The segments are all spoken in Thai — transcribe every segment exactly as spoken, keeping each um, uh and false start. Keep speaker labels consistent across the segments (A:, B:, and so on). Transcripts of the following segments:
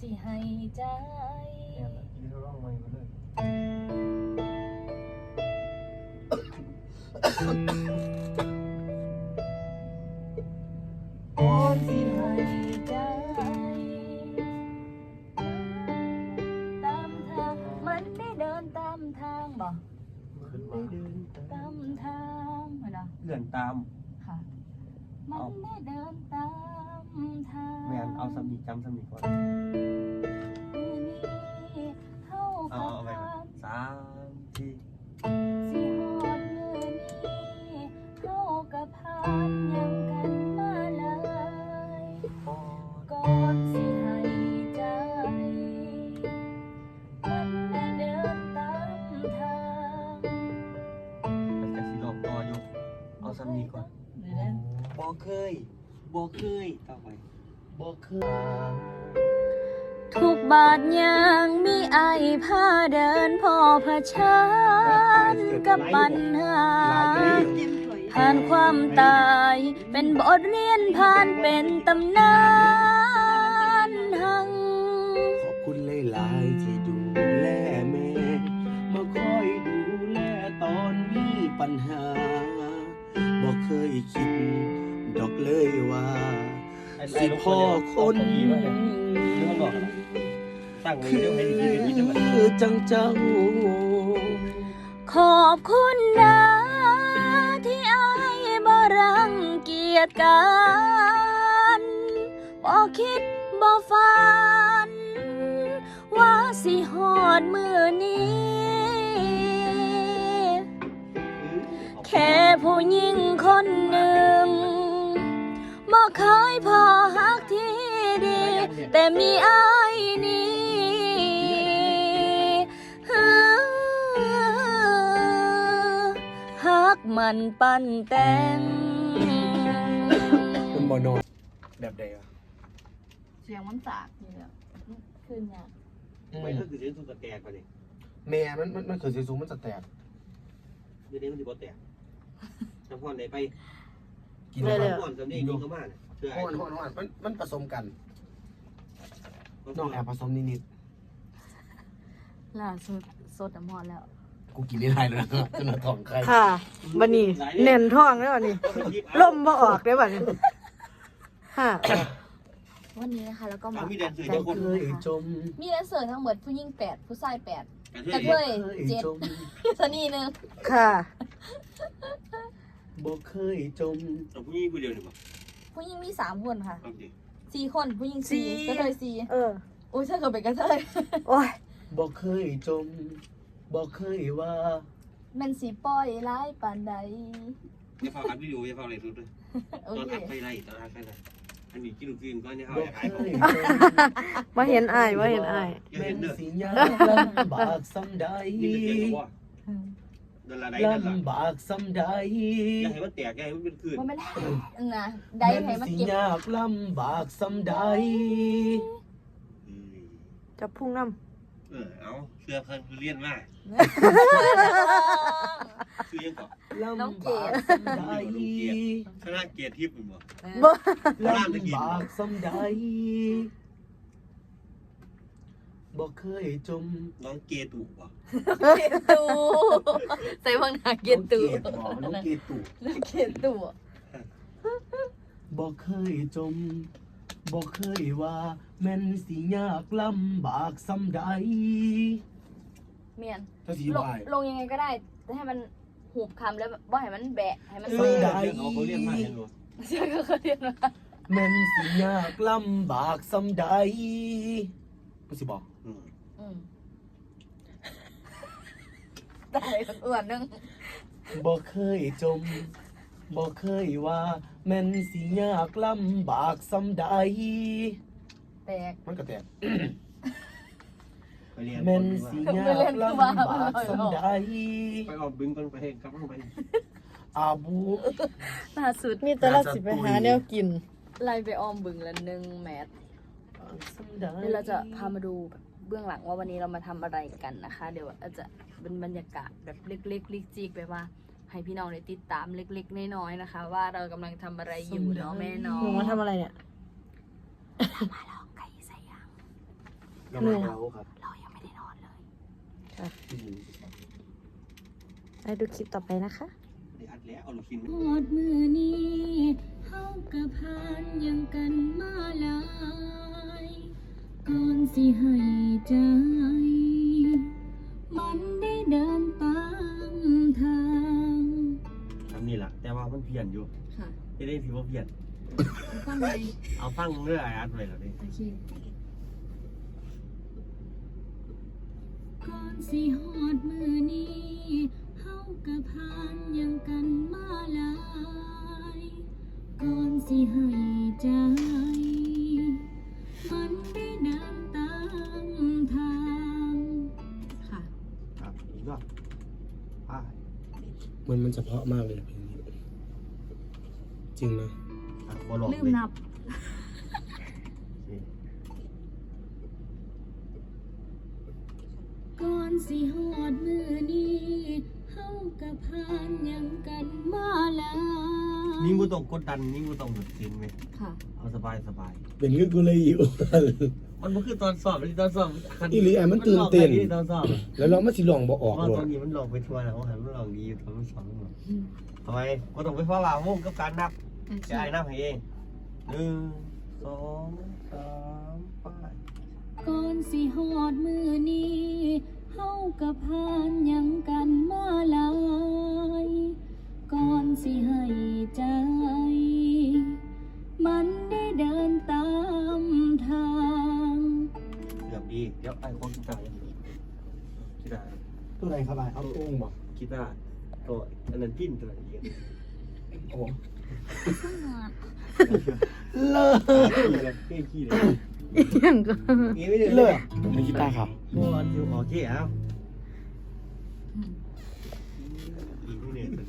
A: สิให้ใจ
B: เนี่ยยืนร้องไม่มาเลย
A: ก่อนสิให้ใจตามทางมันได้เดินตามทางบ่
B: ขึ้นมาเดิน
A: ตามทางเหรอ
B: เลื่อนตาม
A: ค่ะมันได้เดินตามทาง
B: แม่นเอาสมีจำสมีก่อน
A: มื้อนี้เฮา
B: เอา
A: ก็
B: เอาไป
A: ผ่าน
B: สามที
A: สิฮอดมื้อนี้เฮาก็ผ่านยังกันมาหลายก่อนสิให้ใจมันได้เดินตามทาง
B: มันจะสิหลอกต่ออยู่เอาสมีก่อน
A: เดี๋ยวนะ
B: บ่เคยบ่เคยต่อไปบ่เคย
A: ทุกบาทยังมีไอพาเดินพ่อเผชิญกับปัญหาผ่านความตายเป็นบทเรียนผ่านเป็นตำนานหัง
C: ขอบคุณหลายๆที่ดูแลแม่มาคอยดูแลตอนมีปัญหาบ่เคยคิดดอกเลยว่าสิพ่อคนคือจังเจ้า
A: ขอบคุณนะที่อายบ่รังเกียจกันบ่คิดบ่ฝันว่าสิฮอดมื้อนี้ แค่ผู้หญิงคนหนึ่งบ่เคยพอฮักที่ดี แต่มีอายนี้ฮักมันปั่นแต่ง
C: มันบ่นอนแบบใดวะ
A: เสียงมันสากนี่แหละขึ้นยาก
B: ไม่ก็คือเสียงสุกแตกไปเลย
C: แม่มันมันมันคือสิสูงมันจะแตก
B: เดี๋ยวนี้มันสิบ่แตกน้ำพรไหนไป
C: กินแล้ว
B: น้ำพรสำเนียงยิงเข้ามาเนี่ยเชื่อ
C: ฮ้อนฮ้อนฮ้อนมันมันผสมกันน้องแอบผสมนิด
A: ล่าสุดสดน้ำพรแล้ว
C: ๆกูกินได้หลายแล้วนะจนท้องไข่
D: ค่ะบันนี้เน่นท้องแล้วบันนี้ลมบ่ออกได้บัดนี้ค่ะ
A: วันนี้นะคะแล้วก็มา
B: มีแดนเซอร์
A: ใจ
B: เจ้าคน
C: เคยจม
A: มีแดนเซอร์ทั้งหมดผู้หญิงแปดผู้ชายแปด
B: ก
A: กระ
B: ระ
A: เท
B: เทย
A: ยเจ็ด
C: จม
A: สนีหนึ่ง
D: ค่ะ
C: บ่เคยจม
B: แต่ผู้หญิงผู้เดียวนี่บ่
A: ผู้หญิงมีสามคนค่ะ
B: เอาดิ
A: สี่คนผู้หญิงสี่กระเทยสี่
D: เออ
A: โอ้ยถ้าเกิดเป็นกระเทย
D: โอ้ย
C: บ่เคยจมบ่เคยว่า
A: แมันสีปล่อยร้ายปานใด
B: อย่าฟังอัดวิดีโออย่าฟังอะไรสุดเลย
A: โอ
B: ตอน
A: เค
B: อัดไปไรตอนอัดไปไรอันนี้กินลูกกินก็เนี่ยเขา
C: บ่
B: อยาก
C: เค
B: ขายของ
C: ยจม
D: มาเห็นอ้ายมาเห็นอ้าย
B: อย่า
C: แม่
B: เห็น
C: น
B: เด้อ
C: สิยากลำบากสำใด
B: มีแต่เสียงก็ว่าเดินละใดเดินละ
C: ลำบากสำใด
B: อย่าให้มันแตกอย่าให้มันเป็นคลื่น
A: มันไม่ได้นะได้ให้มัน
C: สิ
A: เก็บ
C: ยากลำบากสำใด
D: จะพุ่งน้
B: เออเอาเสื้อเพิ่นเรียนมาคือยังก่อน
C: ลำบากสำใด
B: คณะเกียรติทิพย์มันบ่
D: ำบ่
C: ลำบากสำใดบ่เคยจม
B: น้องเกตุบ่
A: เก็บตูใส่พังหนาเก็บตู
C: น้องเกดบ่น้องเกตุ
A: เก็บตู
C: บ่เคยจมบ่เคยว่าแม่นสิยากลำบากสำใด
A: เมียน
C: ถ้าสิ
A: ลง
C: วาย
A: ลงยังไงก็ได้แต่ให้มันหูบคำแล้วบ่ให้มันแบะให้มัน
C: เอ
A: เซ่
C: อ ได้
B: เขาเรียนมาเห็นบ่
A: เชื่อก็เขาเรียนมา
C: แม่นสิยากลำบากสำใดมันสิบอก
B: อืม
A: อืมได้อ้วนนึง
C: บ่เคยจมบ่เคยว่าแม่นสิยากลำบากสำใด
A: แตก
C: มันก็แตก
B: ไปเรียน
C: แม่นสิยากลำบากสำใด
B: ไปออกบึงก่อนไปกลับลงไป
C: อาบู
A: ล่าสุด
D: มีแต่ละสิไปหาแนวกิน
A: ไล่ไปออมบึงละหนึ่งแมตช์
C: สำใด
A: เดี๋ยวเราจะพามาดูเบื้องหลังว่าวันนี้เรามาทำอะไรกันนะคะ เดี๋ยวอาจจะเป็นบรรยากาศแบบเล็กๆลิกจิกแบบว่า ให้พี่น้องได้ติดตามเล็กๆน้อยๆนะคะ ว่าเรากำลังทำอะไรอยู่เนาะแม่น้อง
D: หนูมาทำอะไรเนี่ย
A: มาลองไก่ใส่ยาง
C: เรามาเราครับ
A: เรายังไม่ได้นอนเลย
C: อืม
A: ไปดูคลิปต่อไปนะคะ
C: ได้อัดแล้วเอาลูกชิ้น
A: หอดมือนี้เฮากับพานยังกันมาหลายก่อนสิให้ใจ มันได้เดินตามทาง
B: ทำนี่แหละแต่ว่ามันเพี้ยนอยู่
A: ค่ะ
B: ไม่ได้ถือว่าเพี้ยน
A: ฟังไหม
B: เอาฟังเรื่อยอัดไว้แล้วดิ
A: โอเคก่อนสิหอดมือนี้เฮากับพานยังกันมาหลายก่อนสิให้ใจ มันได้เดินตามทางค่ะ
B: ครับอีกรอบอ่า
C: มันมันเฉพาะมากเลยเพลงนี้จริงนะ
B: อ่ะบอลลง
A: ลืมนับ ก่อนสิหอดมือนี้เฮากับพานยังกันมาหลาย
B: นี่กูต้องกดดันนี่กูต้องหยุดกินไหม
A: ค่ะ
B: เอาสบายสบาย
C: เป็นเรื่องกูเลยอยู่
B: มันมันคือตอนสอบมันตอนสอบ
C: อีหลีอ่ะมันตื่นเต้น
B: มัหลอกไปที่ตอนสอบอะ
C: แล้วเราไม่สิลองบอกออก
B: ว่า
C: หรอ
B: ตอนนี้มันหลอกไปทัวร์แล้วหันมันหลอกดีอยู่ตอนมันสอบมันหลอกทำไมก็ต้องไปฟ้าลาวงกับการนับจะไอ้นับให้เองหนึ่งสองสามไป
A: ก่อนสิหอดมือนี้เฮากับพานยังกันมาหลายก่อนสิให้ใจ มันได้เดินตามทาง
B: เกือบดีเดี๋ยวไอ้คนกีตาร์กีตาร์
C: ตัวไหนครับไอ้เอาตุ้งบอก
B: กีตาร์ตัวอันนั้นพินตัวไหนอีก
C: โอ้
B: เลิศเลยเก่งขี้เลย
A: ยังก็
B: งี้ไม่ได้
C: เลิศมีกีตาร์ครับ
B: บอลอยู่โอเคเอาอีกนี่เนี่ย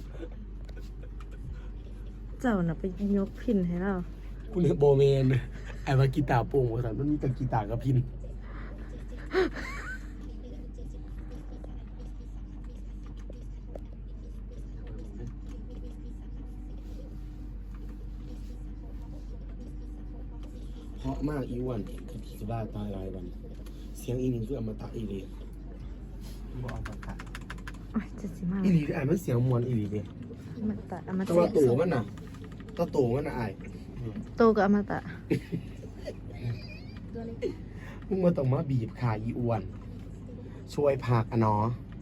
D: เจ้าน่ะไปยกพินให้เรา
C: คุณเนี่ยโบเมนไอ้ว่ากีตาร์โป่งภาษามันมีแต่กีตาร์กับพินเพราะมากอีวันคือผีจะบ้าตายรายวัน เสียงอีนี่คืออมตะอีหลี
B: บอลสังกัด
D: โอ้ยจะสิมา
C: อีหลีไอ้มันเสียงมวนอีหลีเด้
D: อมตะอม
C: แต่
D: ตะ
C: ว่าตัวมันน่ะตัวโตมันน่ะไอ้
D: โตกับอมตะ
C: มึงมาต้องมาบีบขาอีอ้วน ช่วยผักอ่ะเนาะ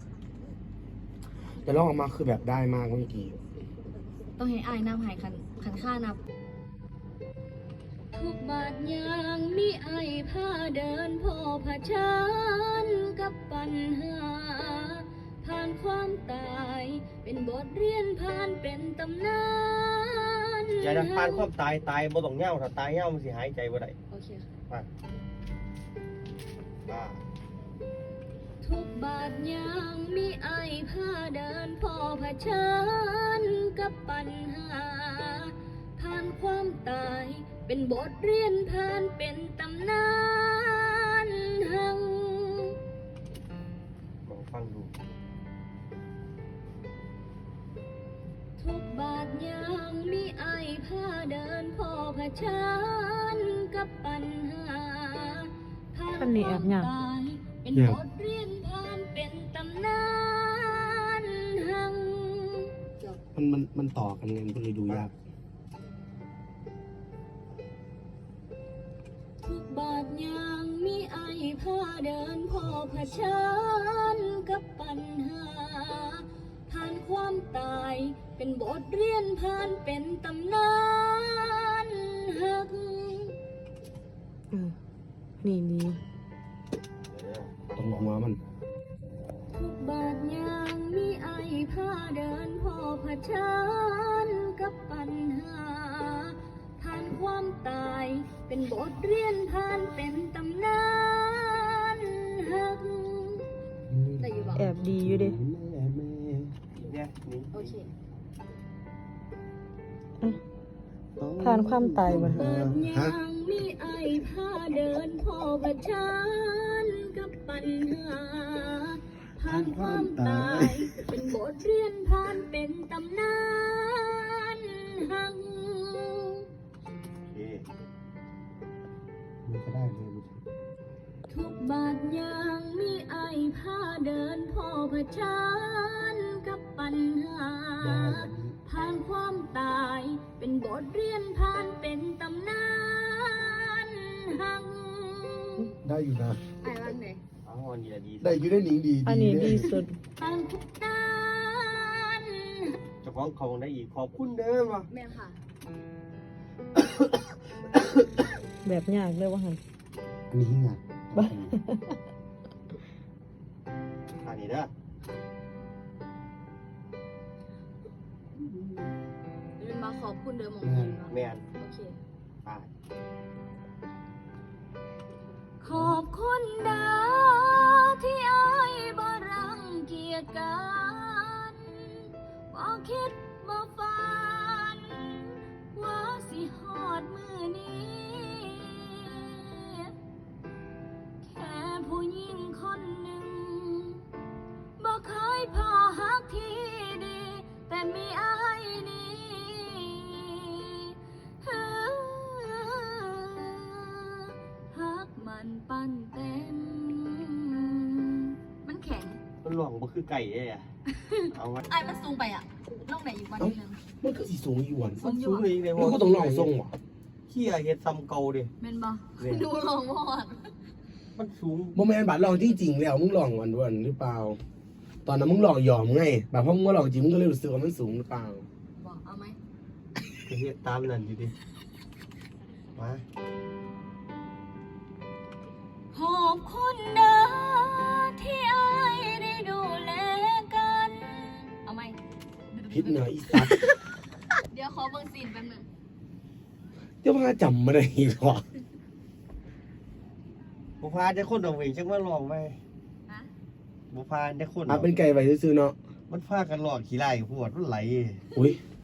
C: แต่ลองออกมาคือแบบได้มากเมื่อกี้
A: ต้องให้อายนับหายคันคันค่านับ ทุกบาทยางมีไอายพาเดินพ่อผชันกับปัญหา ผ่านความตาย เป็นบทเรียนผ่านเป็นตำนาน
B: อย่าจะผ่านความตายตายบ่ต้องเง่าถ้าตายเง่ามันสิหายใจบ่ได้
A: โอเคค่ะ
B: ไปบ้า
A: ทุกบาทยางมีไอายพาเดินพ่อผชันกับปัญหา ผ่านความตาย เป็นบทเรียนผ่านเป็นตำนานหัง
B: ลองฟังดู
A: ทุกบาทยางมีไอายพาเดินพ่อผชันกับปัญหา ผ่านความตาย เป็นบทเรียนผ่านเป็นตำนานหัง
C: มันมันมันต่อกันไงมันก็เลยดูยาก
A: ทุกบาทยางมีไอายพาเดินพ่อผชันกับปัญหา ผ่านความตาย เป็นบทเรียนผ่านเป็นตำนานหัก
D: เออนี่นี่
C: ตรงหัวมัน
A: ทุกบาทยางมีไอายพาเดินพ่อผชันกับปัญหา ผ่านความตาย เป็นบทเรียนผ่านเป็นตำนานหักแต่อยู่บอก
D: แอบดีอยู่เดิ
B: เนี่ยนี่
A: โอเค
D: ผ่านความตายมา
A: บาทยางมีไอายพาเดินพ่อผชันกับปัญหา ผ่านความตาย เป็นบทเรียนผ่านเป็นตำนานหัง
B: โอเค
C: มันก็ได้เลย
A: ทุกบชิญกับปัญหา ผ่านความตายเป็นบทเรียนผ่านเป็นตำนานหัง
C: ได้อยู่นะ
A: ไอ้บ้างไหน
B: อ๋ออันนี้แหละดี
C: ได้อยู่ได้หนิงดี
D: อันนี้ดีสุด
A: ผ่านทุกด้าน
B: เจ้าของเขาได้อีกขอบคุณเด้อว่ะ
A: แม่ค่ะ
D: แบบยากเลยว่าหัน
C: อันนี้หิ้งอ่ะ
B: อันนี้เด้อ
A: เป็นมาขอบคุณเดิมของ
C: แม่
A: คุณ
C: น
A: เนาะ
B: แม่น
A: โอเค
B: ไป
A: ขอบคุณนะที่อายบ่รังเกียจกันบ่คิดบ่ฝันว่าสิฮอดมือนี้ แค่ผู้หญิงคนหนึ่งบ่เคยพอฮักที่ดี แต่มีอายนี้ฮักมันปั้นเต็ม มันแข็ง
B: มันหลวงบ่คือไก่เอ้อะเอาไว้
A: ไอ้มันสูงไปอ่ะล่องไหนอยู่วันนี้นึง
C: มันก็สีสูงอยู่วัน
A: สูงอยู่
B: สูง
A: อะ
B: เลยใน
C: มันก็ต้องลองทรงว่ะ
B: เที่ยเฮ็ดซ้ำเก่าดิ
A: เมนบอ
B: เนี่ย
A: ดูลงวอด
B: มันสูง
C: โมเมนต์บัตรลองที่จริงแล้วมึงลองวันวันหรือเปล่า ตอนนั้นมึงลองยอมไงแบบพอมึงมาลองจริงมึงก็เลยรู้สึกว่ามันสูงหรือเปล่า
A: บอกเอาไหม
B: ก็เฮ็ดตามนั่นอยู่ดิมา
A: ขอบคุณนะที่อายได้ดูแลกัน เอาไหม
C: พิษเนอะอีสัตว์
A: เดี๋ยวขอเบิ่งซีนแป๊บหนึง
C: เจ้าพ่อจำไม่ได้อีกหรอ
B: บุพาจะคนดอกเวงจังว่าลองไป
A: ฮะ
B: บุพาจะคน
C: อ่ะเป็นไก่ไปซื้อๆเนาะ
B: มันพากันหลอกขี้ไล่พวดมันไหล
C: อุ้ย